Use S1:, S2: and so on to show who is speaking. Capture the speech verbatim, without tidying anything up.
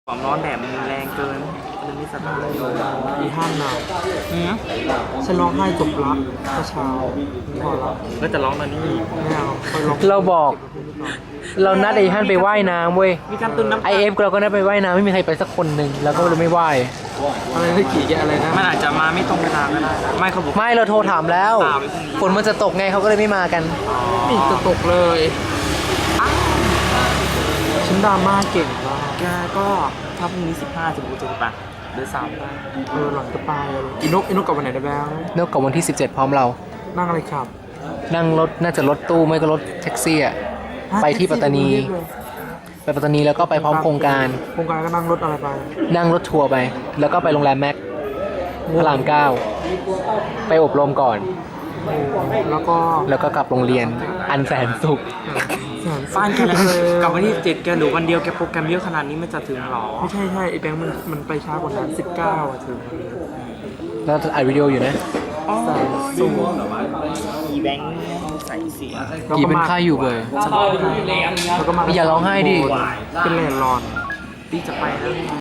S1: ความร้อนแดดมันแรงเกินมันไม่สบายเลย
S2: อีห้ามหนาว
S1: อืม
S2: ฉันร้องไห้จบละเมื่อเช้าพอละ
S1: ก็จะร้องตอนนี้อีก
S2: ไม่เอาไปร้อง
S3: เราบอก เรานัดไอ้ฮันไปว่ายน้ำเว้ย
S1: มีการตุนน้ำ
S3: ไอเอฟเราก็นัดไปว่ายน้ำไม่มีใครไปสักคนหนึ่งแล้วก็เลยไม่ว่าย
S2: อะไรที่ขี่แกอะไรนะ
S1: มันอาจจะมาไม่ตรงเวลาก็ได้ไม่เขาบอก
S3: ไม่เราโทรถามแล้ว
S1: ถามไปพรุ่งนี้
S3: ฝนมันจะตกไงเขาก็เลยไม่มากัน
S2: นี่จะตกเลยฉันดราม่าเก่งมาก
S1: แกก็ถ้าพรุ่งนี้สิบห้าสิบหกจะไปหรือสามได้
S2: เออหลังจะไปเลยอีนกอีนกกลับวันไหนได้บ้าง
S3: นกกับวันที่สิบเจ็ดพร้อมเรา
S2: นั่งอะไรครับ
S3: นั่งรถน่าจะรถตู้ไม่ก็รถแท็กซี่อะไปที่ปัตตานี ไปปัตตานีแล้วก็ไปพร้อมโครงการ
S2: โครงการก็นั่งรถอะไรไป
S3: นั่งรถทัวร์ไป แล้วก็ไปโรงแรมแม็กพระรามเก้าไปอบรมก่อน
S2: แล้วก็
S3: แล้วก็กลับโรงเรียนอันแสนสุข
S2: แสน
S1: บ้านแก
S2: เลย
S1: กลับวันที่เจ็ดแกหรือวันเดียวแกโปรแกรมเยอะขนาดนี้มันจะถึงหรอ
S2: ไม่ใช่ใช่ไอ้แบงค์มันมันไปช้ากว่านั้นสิบเก้าอ่ะถึง
S3: แล้วอัดวิดีโออยู่นะ
S2: ใส่สูง
S1: อีแบงค์ใส่เสีย
S3: กี่เป็นค่าอยู่เบอร์
S2: แล้วก็มา
S3: อย่าร้องไห้ดิ
S2: เป็นแลนด์รอน
S1: พี่จะไปแล้ว